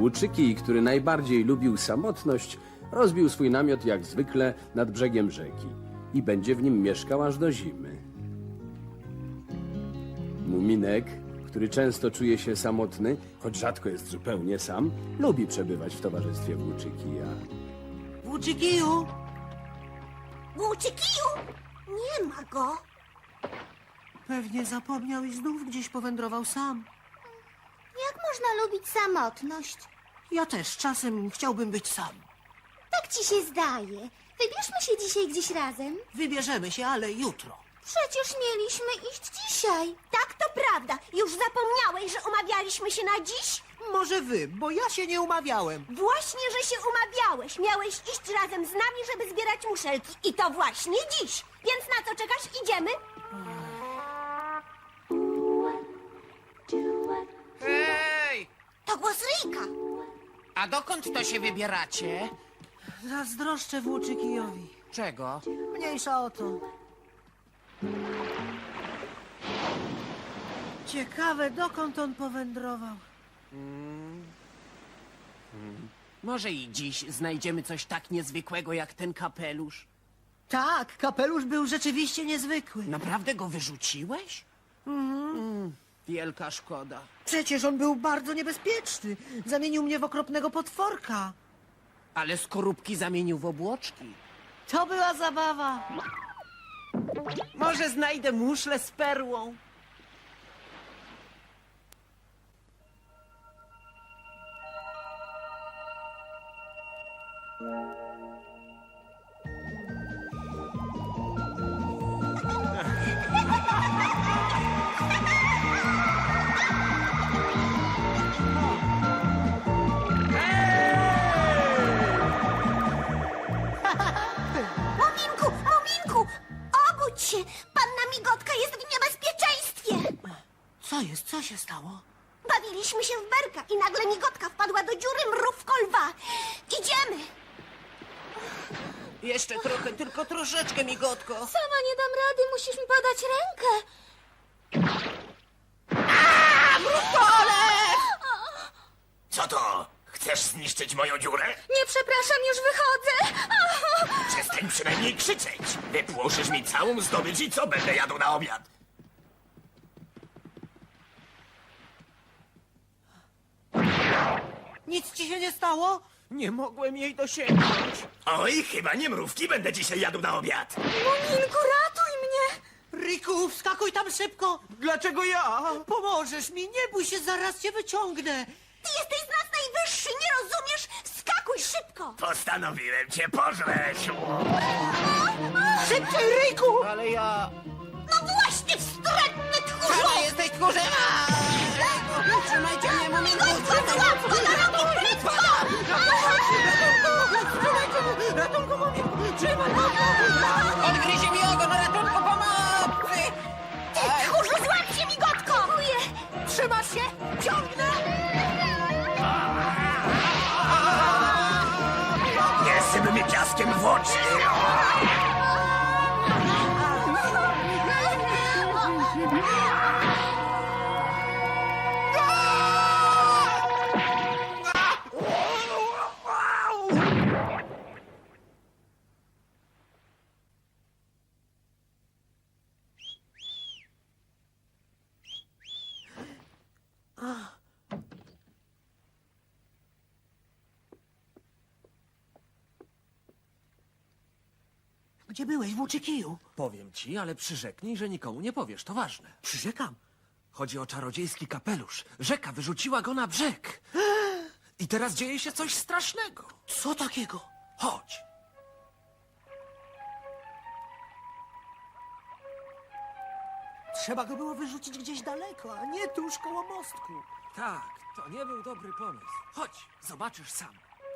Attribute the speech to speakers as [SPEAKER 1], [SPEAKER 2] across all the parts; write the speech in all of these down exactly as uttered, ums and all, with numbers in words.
[SPEAKER 1] Łuczyki, który najbardziej lubił samotność, rozbił swój namiot jak zwykle nad brzegiem rzeki i będzie w nim mieszkał aż do zimy. Muminek, który często czuje się samotny, choć rzadko jest zupełnie sam, lubi przebywać w towarzystwie Włóczykija.
[SPEAKER 2] Włóczykiju!
[SPEAKER 3] Łuczykiju! Nie ma go.
[SPEAKER 2] Pewnie zapomniał i znów gdzieś powędrował sam.
[SPEAKER 3] Jak można lubić samotność?
[SPEAKER 2] Ja też czasem chciałbym być sam.
[SPEAKER 3] Tak ci się zdaje. Wybierzmy się dzisiaj gdzieś razem.
[SPEAKER 2] Wybierzemy się, ale jutro.
[SPEAKER 3] Przecież mieliśmy iść dzisiaj. Tak, to prawda. Już zapomniałeś, że umawialiśmy się na dziś?
[SPEAKER 2] Może wy, bo ja się nie umawiałem.
[SPEAKER 3] Właśnie, że się umawiałeś. Miałeś iść razem z nami, żeby zbierać muszelki. I to właśnie dziś. Więc na co czekasz? Idziemy?
[SPEAKER 4] Hej!
[SPEAKER 3] To głos Ryjka.
[SPEAKER 4] A dokąd to się wybieracie?
[SPEAKER 2] Zazdroszczę Włóczykijowi.
[SPEAKER 4] Czego?
[SPEAKER 2] Mniejsza o to. Ciekawe, dokąd on powędrował.
[SPEAKER 4] Może i dziś znajdziemy coś tak niezwykłego jak ten kapelusz?
[SPEAKER 2] Tak, kapelusz był rzeczywiście niezwykły.
[SPEAKER 4] Naprawdę go wyrzuciłeś? Mm, wielka szkoda.
[SPEAKER 2] Przecież on był bardzo niebezpieczny. Zamienił mnie w okropnego potworka.
[SPEAKER 4] Ale skorupki zamienił w obłoczki.
[SPEAKER 2] To była zabawa.
[SPEAKER 4] Może znajdę muszlę z perłą?
[SPEAKER 3] Muminku, Muminku! Obudź się! Panna Migotka jest w niebezpieczeństwie!
[SPEAKER 2] Co jest? Co się stało?
[SPEAKER 3] Bawiliśmy się w berka i nagle Migotka wpadła do dziury mrówko lwa. Idziemy!
[SPEAKER 4] Jeszcze trochę, tylko troszeczkę, migotko.
[SPEAKER 3] Sama nie dam rady, musisz mi podać rękę.
[SPEAKER 5] Co to? Chcesz zniszczyć moją dziurę?
[SPEAKER 3] Nie, przepraszam, już wychodzę.
[SPEAKER 5] Przestań przynajmniej krzyczeć. Wypłoszysz mi całą zdobycz i co będę jadł na obiad?
[SPEAKER 2] Nic ci się nie stało?
[SPEAKER 4] Nie mogłem jej dosięgnąć.
[SPEAKER 5] Oj, chyba nie mrówki będę dzisiaj jadł na obiad.
[SPEAKER 3] Muminku, ratuj mnie!
[SPEAKER 2] Riku, wskakuj tam szybko!
[SPEAKER 4] Dlaczego ja?
[SPEAKER 2] Pomożesz mi, nie bój się, zaraz cię wyciągnę!
[SPEAKER 3] Ty jesteś z nas najwyższy, nie rozumiesz? Skakuj szybko!
[SPEAKER 5] Postanowiłem cię pożreć.
[SPEAKER 2] Szybciej, Riku!
[SPEAKER 4] Ale ja...
[SPEAKER 3] No właśnie, wstrętny tchórzu!
[SPEAKER 4] Ale jesteś tchórzem! Trzymajcie mnie, muminku!
[SPEAKER 3] Złap go na rogi, prędko!
[SPEAKER 4] Ratunku, muminku! Trzymaj go! Odgryzie mi ogon! Ratunku, pomocy!
[SPEAKER 3] Ty tchórzu, złap się, Migotko! Dziękuję!
[SPEAKER 2] Trzymasz się? Ciągnę!
[SPEAKER 5] Nie syp mi piaskiem w oczy.
[SPEAKER 2] Gdzie byłeś, Włóczykiju?
[SPEAKER 6] Powiem ci, ale przyrzeknij, że nikomu nie powiesz, to ważne.
[SPEAKER 2] Przyrzekam.
[SPEAKER 6] Chodzi o czarodziejski kapelusz. Rzeka wyrzuciła go na brzeg. I teraz dzieje się coś strasznego.
[SPEAKER 2] Co takiego?
[SPEAKER 6] Chodź.
[SPEAKER 2] Trzeba go było wyrzucić gdzieś daleko, a nie tuż koło mostku.
[SPEAKER 6] Tak, to nie był dobry pomysł. Chodź, zobaczysz sam.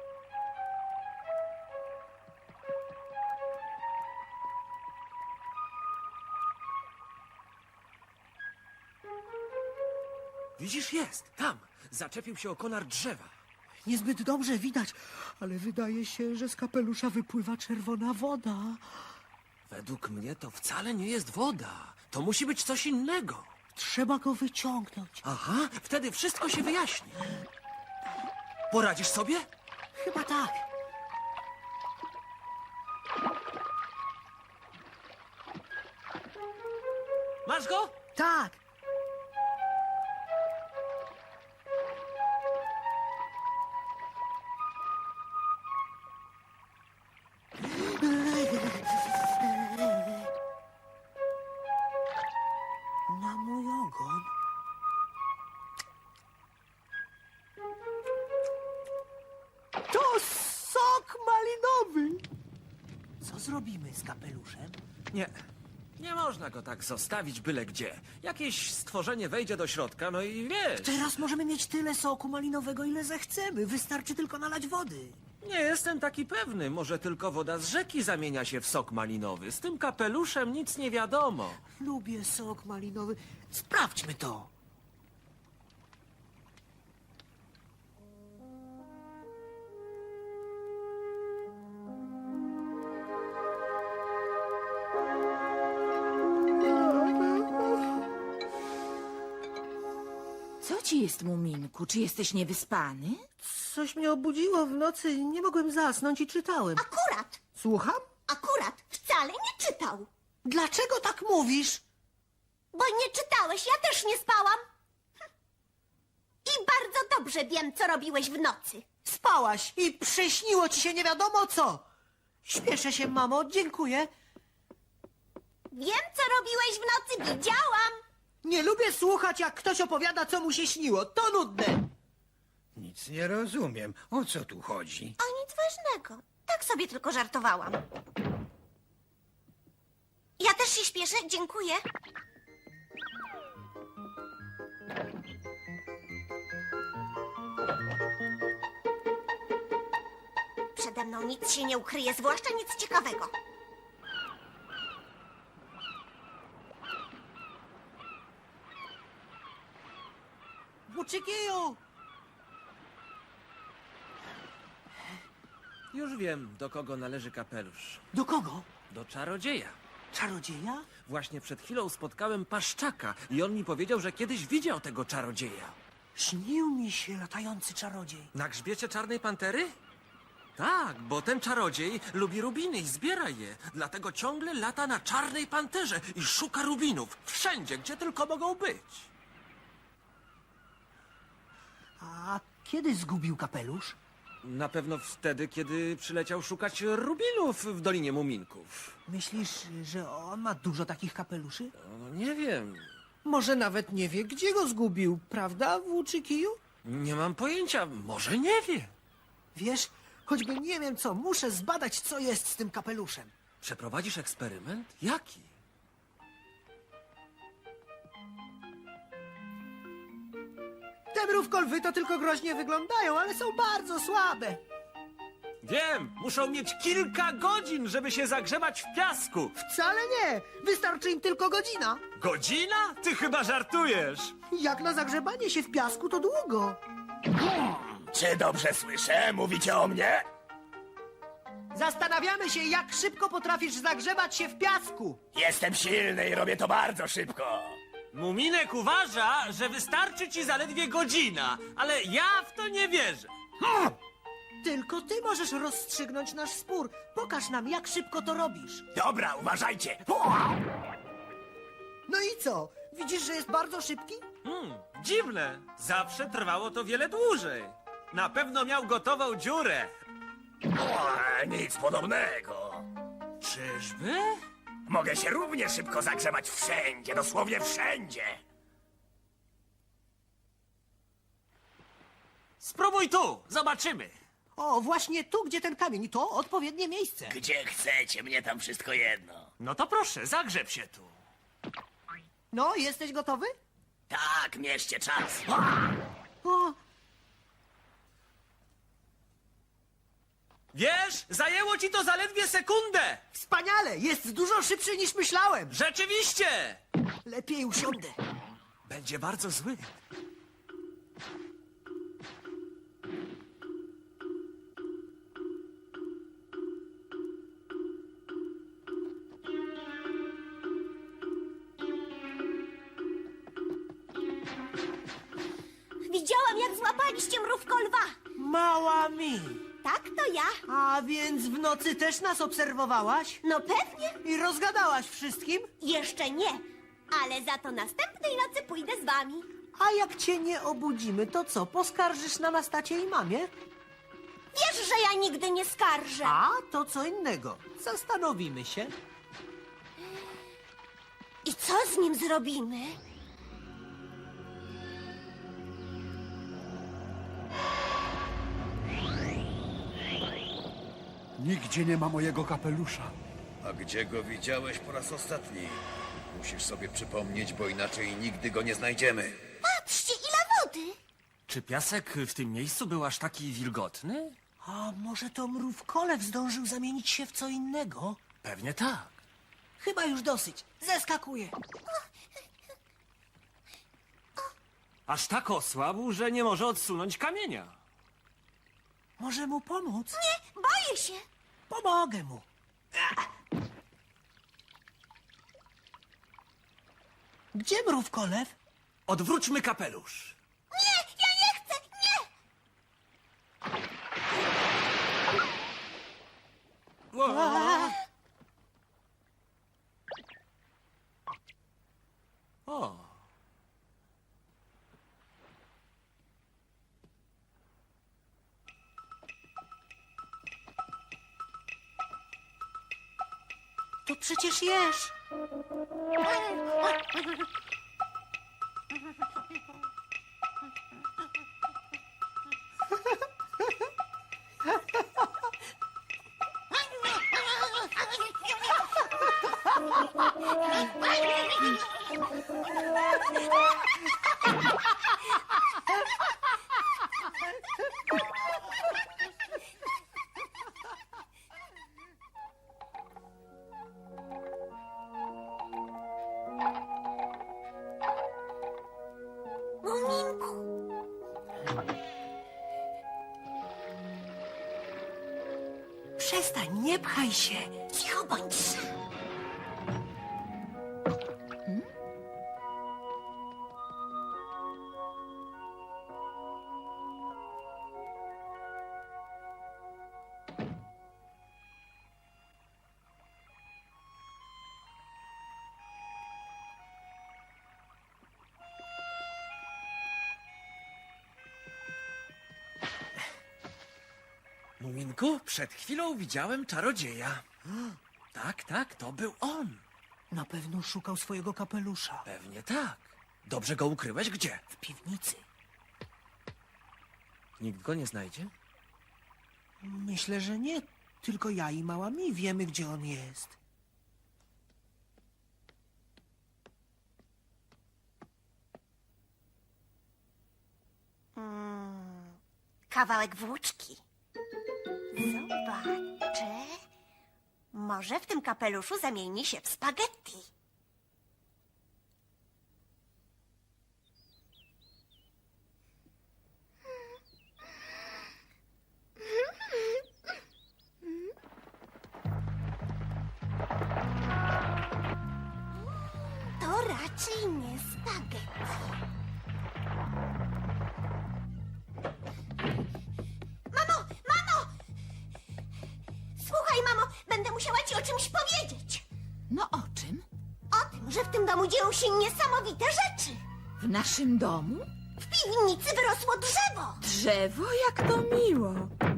[SPEAKER 6] Widzisz, jest, tam. Zaczepił się o konar drzewa.
[SPEAKER 2] Niezbyt dobrze widać, ale wydaje się, że z kapelusza wypływa czerwona woda.
[SPEAKER 6] Według mnie to wcale nie jest woda. To musi być coś innego.
[SPEAKER 2] Trzeba go wyciągnąć.
[SPEAKER 6] Aha, wtedy wszystko się wyjaśni. Poradzisz sobie?
[SPEAKER 2] Chyba tak.
[SPEAKER 6] Masz go?
[SPEAKER 2] Tak. Na mój ogon. To sok malinowy. Co zrobimy z kapeluszem?
[SPEAKER 6] Nie. Nie można go tak zostawić byle gdzie. Jakieś stworzenie wejdzie do środka, no i wiesz.
[SPEAKER 2] Teraz możemy mieć tyle soku malinowego, ile zechcemy. Wystarczy tylko nalać wody.
[SPEAKER 6] Nie jestem taki pewny. Może tylko woda z rzeki zamienia się w sok malinowy. Z tym kapeluszem nic nie wiadomo.
[SPEAKER 2] Lubię sok malinowy. Sprawdźmy to.
[SPEAKER 7] Co ci jest, Muminku? Czy jesteś niewyspany?
[SPEAKER 2] Coś mnie obudziło w nocy. Nie mogłem zasnąć i czytałem.
[SPEAKER 3] Akurat,
[SPEAKER 2] Słucham?
[SPEAKER 3] akurat, wcale nie czytał.
[SPEAKER 2] Dlaczego tak mówisz?
[SPEAKER 3] Bo nie czytałeś, ja też nie spałam. Hm. I bardzo dobrze wiem, co robiłeś w nocy.
[SPEAKER 2] Spałaś i przyśniło ci się nie wiadomo co. Śpieszę się, mamo. Dziękuję.
[SPEAKER 3] Wiem, co robiłeś w nocy, widziałam.
[SPEAKER 2] Nie lubię słuchać, jak ktoś opowiada, co mu się śniło. To nudne.
[SPEAKER 8] Nic nie rozumiem. O co tu chodzi?
[SPEAKER 3] O nic ważnego. Tak sobie tylko żartowałam. Ja też się śpieszę, dziękuję. Przede mną nic się nie ukryje, zwłaszcza nic ciekawego.
[SPEAKER 2] Buczykiju!
[SPEAKER 6] Już wiem, do kogo należy kapelusz.
[SPEAKER 2] Do kogo?
[SPEAKER 6] Do czarodzieja.
[SPEAKER 2] Czarodzieja?
[SPEAKER 6] Właśnie przed chwilą spotkałem paszczaka i on mi powiedział, że kiedyś widział tego czarodzieja.
[SPEAKER 2] Śnił mi się latający czarodziej.
[SPEAKER 6] Na grzbiecie czarnej pantery? Tak, bo ten czarodziej lubi rubiny i zbiera je. Dlatego ciągle lata na czarnej panterze i szuka rubinów. Wszędzie, gdzie tylko mogą być.
[SPEAKER 2] A kiedy zgubił kapelusz?
[SPEAKER 6] Na pewno wtedy, kiedy przyleciał szukać rubinów w Dolinie Muminków.
[SPEAKER 2] Myślisz, że on ma dużo takich kapeluszy?
[SPEAKER 6] No, nie wiem.
[SPEAKER 2] Może nawet nie wie, gdzie go zgubił, prawda, włóczykiju?
[SPEAKER 6] Nie mam pojęcia. Może nie wie.
[SPEAKER 2] Wiesz, choćby nie wiem co, muszę zbadać, co jest z tym kapeluszem.
[SPEAKER 6] Przeprowadzisz eksperyment? Jaki?
[SPEAKER 2] Te mrówkolwy to tylko groźnie wyglądają, ale są bardzo słabe.
[SPEAKER 6] Wiem, muszą mieć kilka godzin, żeby się zagrzebać w piasku.
[SPEAKER 2] Wcale nie, wystarczy im tylko godzina.
[SPEAKER 6] Godzina? Ty chyba żartujesz.
[SPEAKER 2] Jak na zagrzebanie się w piasku to długo.
[SPEAKER 5] Czy dobrze słyszę? Mówicie o mnie?
[SPEAKER 2] Zastanawiamy się, jak szybko potrafisz zagrzebać się w piasku.
[SPEAKER 5] Jestem silny i robię to bardzo szybko.
[SPEAKER 6] Muminek uważa, że wystarczy ci zaledwie godzina, ale ja w to nie wierzę.
[SPEAKER 2] Tylko ty możesz rozstrzygnąć nasz spór. Pokaż nam, jak szybko to robisz.
[SPEAKER 5] Dobra, uważajcie.
[SPEAKER 2] No i co? Widzisz, że jest bardzo szybki?
[SPEAKER 6] Hmm, dziwne. Zawsze trwało to wiele dłużej. Na pewno miał gotową dziurę.
[SPEAKER 5] O, nic podobnego.
[SPEAKER 6] Czyżby?
[SPEAKER 5] Mogę się równie szybko zagrzebać wszędzie, dosłownie wszędzie.
[SPEAKER 6] Spróbuj tu, zobaczymy.
[SPEAKER 2] O, właśnie tu, gdzie ten kamień. To odpowiednie miejsce.
[SPEAKER 5] Gdzie chcecie, mnie tam wszystko jedno.
[SPEAKER 6] No to proszę, zagrzeb się tu.
[SPEAKER 2] No, jesteś gotowy?
[SPEAKER 5] Tak, mieście czas.
[SPEAKER 2] O,
[SPEAKER 6] Wiesz, zajęło ci to zaledwie sekundę.
[SPEAKER 2] wspaniale! Jest dużo szybszy niż myślałem.
[SPEAKER 6] Rzeczywiście.
[SPEAKER 2] Lepiej usiądę.
[SPEAKER 6] Będzie bardzo zły.
[SPEAKER 3] Widziałam, jak złapaliście mrówko lwa.
[SPEAKER 2] Mała mi.
[SPEAKER 3] Tak, to ja.
[SPEAKER 2] A więc w nocy też nas obserwowałaś?
[SPEAKER 3] No pewnie.
[SPEAKER 2] I rozgadałaś wszystkim?
[SPEAKER 3] Jeszcze nie. Ale za to następnej nocy pójdę z wami.
[SPEAKER 2] A jak cię nie obudzimy, to co, poskarżysz na nas tacie i mamie?
[SPEAKER 3] Wiesz, że ja nigdy nie skarżę.
[SPEAKER 2] A, to co innego. Zastanowimy się.
[SPEAKER 3] I co z nim zrobimy?
[SPEAKER 9] Nigdzie nie ma mojego kapelusza.
[SPEAKER 10] A gdzie go widziałeś po raz ostatni? Musisz sobie przypomnieć, bo inaczej nigdy go nie znajdziemy.
[SPEAKER 3] Patrzcie, ile wody.
[SPEAKER 6] Czy piasek w tym miejscu był aż taki wilgotny?
[SPEAKER 2] A może to mrówkolew zdążył zamienić się w co innego?
[SPEAKER 6] Pewnie tak.
[SPEAKER 2] Chyba już dosyć. Zeskakuję.
[SPEAKER 6] Aż tak osłabł, że nie może odsunąć kamienia.
[SPEAKER 2] Może mu pomóc?
[SPEAKER 3] Nie, boję się.
[SPEAKER 2] Pomogę mu. Gdzie mrówkolew?
[SPEAKER 6] Odwróćmy kapelusz.
[SPEAKER 3] Nie, ja nie chcę, nie.
[SPEAKER 6] O,
[SPEAKER 2] To przecież jesz.
[SPEAKER 3] Muminku.
[SPEAKER 2] Przestań, nie pchaj się.
[SPEAKER 3] Cicho bądź.
[SPEAKER 6] Muminku, przed chwilą widziałem czarodzieja. Tak, tak, to był on.
[SPEAKER 2] Na pewno szukał swojego kapelusza.
[SPEAKER 6] Pewnie tak. Dobrze go ukryłeś gdzie?
[SPEAKER 2] W piwnicy.
[SPEAKER 6] Nikt go nie znajdzie?
[SPEAKER 2] Myślę, że nie. Tylko ja i mała mi wiemy, gdzie on jest.
[SPEAKER 3] Kawałek włóczki. Zobaczę. Może w tym kapeluszu zamieni się w spaghetti. To raczej nie spaghetti. Mamo, mamo! Słuchaj, mamo, będę musiała ci o czymś powiedzieć.
[SPEAKER 7] No o czym?
[SPEAKER 3] O tym, że w tym domu dzieją się niesamowite rzeczy.
[SPEAKER 7] W naszym domu?
[SPEAKER 3] W piwnicy wyrosło drzewo.
[SPEAKER 7] Drzewo? Jak to miło.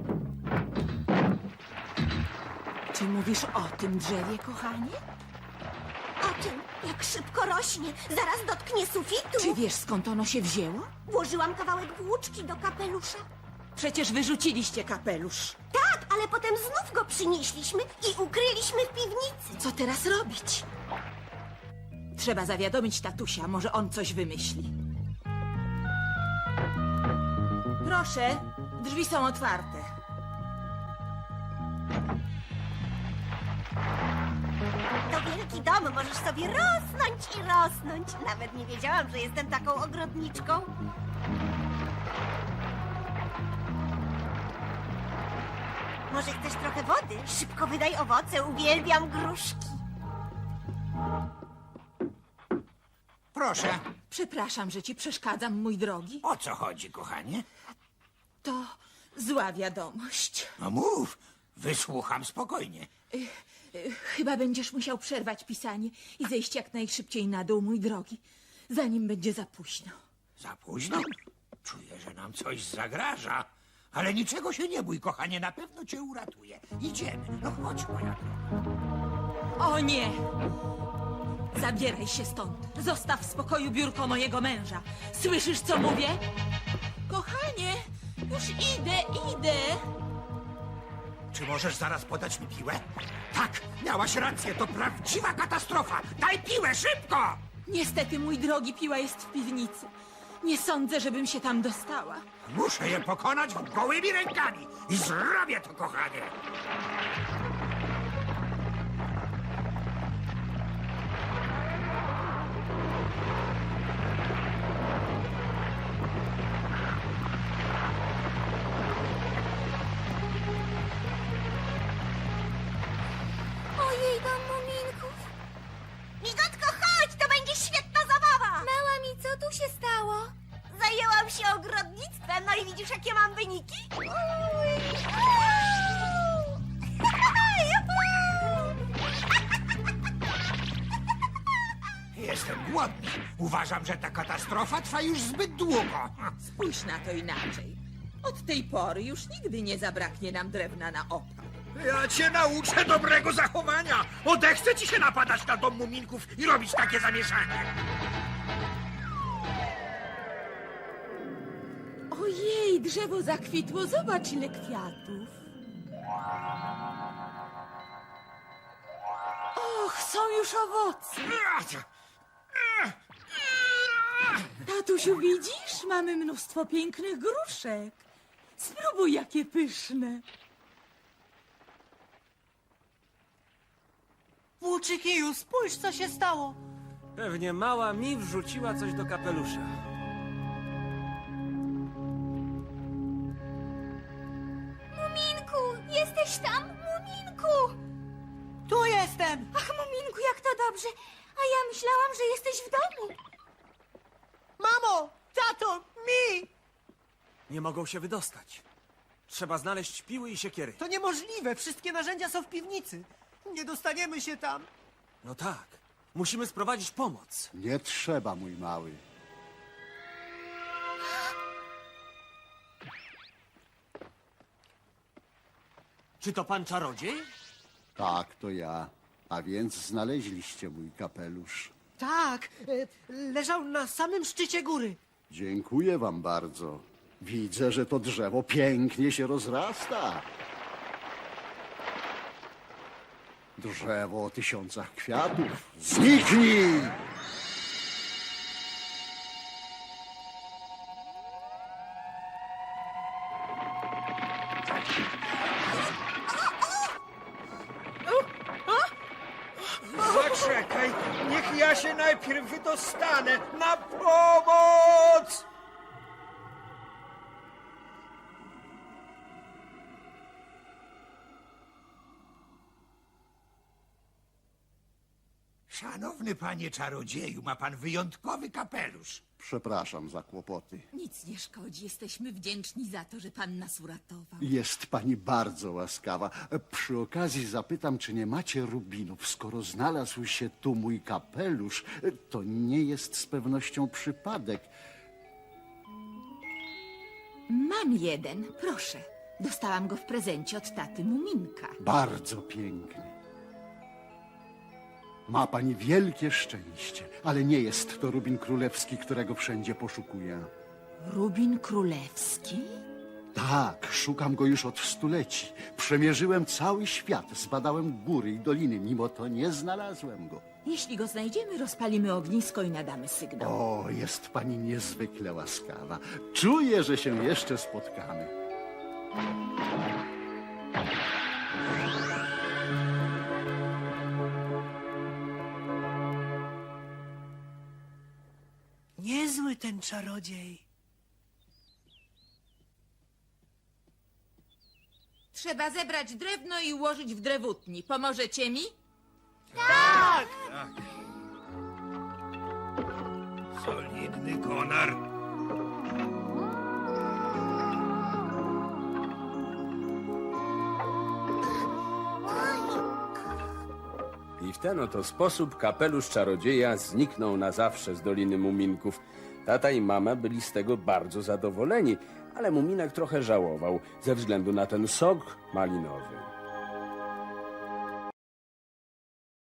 [SPEAKER 7] Czy mówisz o tym drzewie, kochanie?
[SPEAKER 3] O tym, jak szybko rośnie, zaraz dotknie sufitu.
[SPEAKER 7] Czy wiesz, skąd ono się wzięło?
[SPEAKER 3] Włożyłam kawałek włóczki do kapelusza.
[SPEAKER 7] Przecież wyrzuciliście kapelusz.
[SPEAKER 3] Tak, ale potem znów go przynieśliśmy i ukryliśmy w piwnicy.
[SPEAKER 7] Co teraz robić? Trzeba zawiadomić tatusia, może on coś wymyśli. Proszę, drzwi są otwarte.
[SPEAKER 3] To wielki dom, możesz sobie rosnąć i rosnąć. Nawet nie wiedziałam, że jestem taką ogrodniczką. Może chcesz trochę wody? Szybko wydaj owoce, uwielbiam gruszki.
[SPEAKER 4] Proszę,
[SPEAKER 7] Przepraszam, że ci przeszkadzam, mój drogi.
[SPEAKER 4] o co chodzi, kochanie?
[SPEAKER 7] To Zła wiadomość.
[SPEAKER 8] No mów, wysłucham spokojnie.
[SPEAKER 7] Chyba będziesz musiał przerwać pisanie i zejść jak najszybciej na dół, mój drogi, zanim będzie za późno.
[SPEAKER 8] Za późno? Czuję, że nam coś zagraża. Ale niczego się nie bój, kochanie, na pewno cię uratuję. Idziemy, no chodź, moja droga.
[SPEAKER 7] O nie! Zabieraj się stąd. Zostaw w spokoju biurko mojego męża. Słyszysz, co mówię? Kochanie, już idę, idę.
[SPEAKER 8] Czy możesz zaraz podać mi piłę? Tak, miałaś rację, to prawdziwa katastrofa. Daj piłę, szybko!
[SPEAKER 7] Niestety, mój drogi, piła jest w piwnicy. Nie sądzę, żebym się tam dostała.
[SPEAKER 8] Muszę je pokonać gołymi rękami. I zrobię to, kochanie.
[SPEAKER 3] Ojej, dom muminków. Migotko, chodź, to będzie świetna zabawa. Mała mi, co tu się stało? Zajęłam się ogrodnictwem, no i widzisz, jakie mam wyniki? Uj.
[SPEAKER 8] Jestem głodny. Uważam, że ta katastrofa trwa już zbyt długo.
[SPEAKER 7] Spójrz na to inaczej. Od tej pory już nigdy nie zabraknie nam drewna na opał.
[SPEAKER 8] Ja cię nauczę dobrego zachowania. Odechce ci się napadać na dom muminków i robić takie zamieszanie.
[SPEAKER 7] Ojej, drzewo zakwitło, zobacz ile kwiatów. Och, są już owoce. Tatusiu, widzisz? Mamy mnóstwo pięknych gruszek. Spróbuj, jakie pyszne.
[SPEAKER 2] Włóczykiju, spójrz, co się stało.
[SPEAKER 6] Pewnie mała mi wrzuciła coś do kapelusza.
[SPEAKER 3] Muminku, jesteś tam? Muminku!
[SPEAKER 2] Tu jestem.
[SPEAKER 3] Ach, Muminku, jak to dobrze. A ja myślałam, że jesteś w domu.
[SPEAKER 2] Mamo, tato, mi!
[SPEAKER 6] Nie mogą się wydostać. Trzeba znaleźć piły i siekiery.
[SPEAKER 2] To niemożliwe, wszystkie narzędzia są w piwnicy. Nie dostaniemy się tam.
[SPEAKER 6] No tak. Musimy sprowadzić pomoc.
[SPEAKER 9] Nie trzeba, mój mały.
[SPEAKER 6] Czy to pan czarodziej?
[SPEAKER 9] Tak, to ja. A więc znaleźliście mój kapelusz.
[SPEAKER 2] Tak, e, leżał na samym szczycie góry.
[SPEAKER 9] Dziękuję wam bardzo. Widzę, że to drzewo pięknie się rozrasta. Drzewo o tysiącach kwiatów. Zniknij!
[SPEAKER 8] Zaczekaj, niech ja się najpierw wydostanę. Na pomoc! Szanowny panie czarodzieju, ma pan wyjątkowy kapelusz.
[SPEAKER 9] Przepraszam za kłopoty.
[SPEAKER 7] Nic nie szkodzi, jesteśmy wdzięczni za to, że pan nas uratował.
[SPEAKER 9] Jest pani bardzo łaskawa. Przy okazji zapytam, czy nie macie rubinów. Skoro znalazł się tu mój kapelusz, to nie jest z pewnością przypadek.
[SPEAKER 7] Mam jeden, proszę. Dostałam go w prezencie od taty Muminka.
[SPEAKER 9] Bardzo piękny. Ma pani wielkie szczęście, ale nie jest to rubin królewski, którego wszędzie poszukuję.
[SPEAKER 7] Rubin królewski?
[SPEAKER 9] Tak, szukam go już od stuleci. Przemierzyłem cały świat, zbadałem góry i doliny, mimo to nie znalazłem go.
[SPEAKER 7] Jeśli go znajdziemy, rozpalimy ognisko i nadamy sygnał.
[SPEAKER 9] O, jest pani niezwykle łaskawa. Czuję, że się jeszcze spotkamy.
[SPEAKER 2] Niezły ten czarodziej.
[SPEAKER 7] Trzeba zebrać drewno i ułożyć w drewutni. Pomożecie mi?
[SPEAKER 8] Solidny konar.
[SPEAKER 1] I w ten oto sposób kapelusz czarodzieja zniknął na zawsze z Doliny Muminków. Tata i mama byli z tego bardzo zadowoleni, ale Muminek trochę żałował ze względu na ten sok malinowy.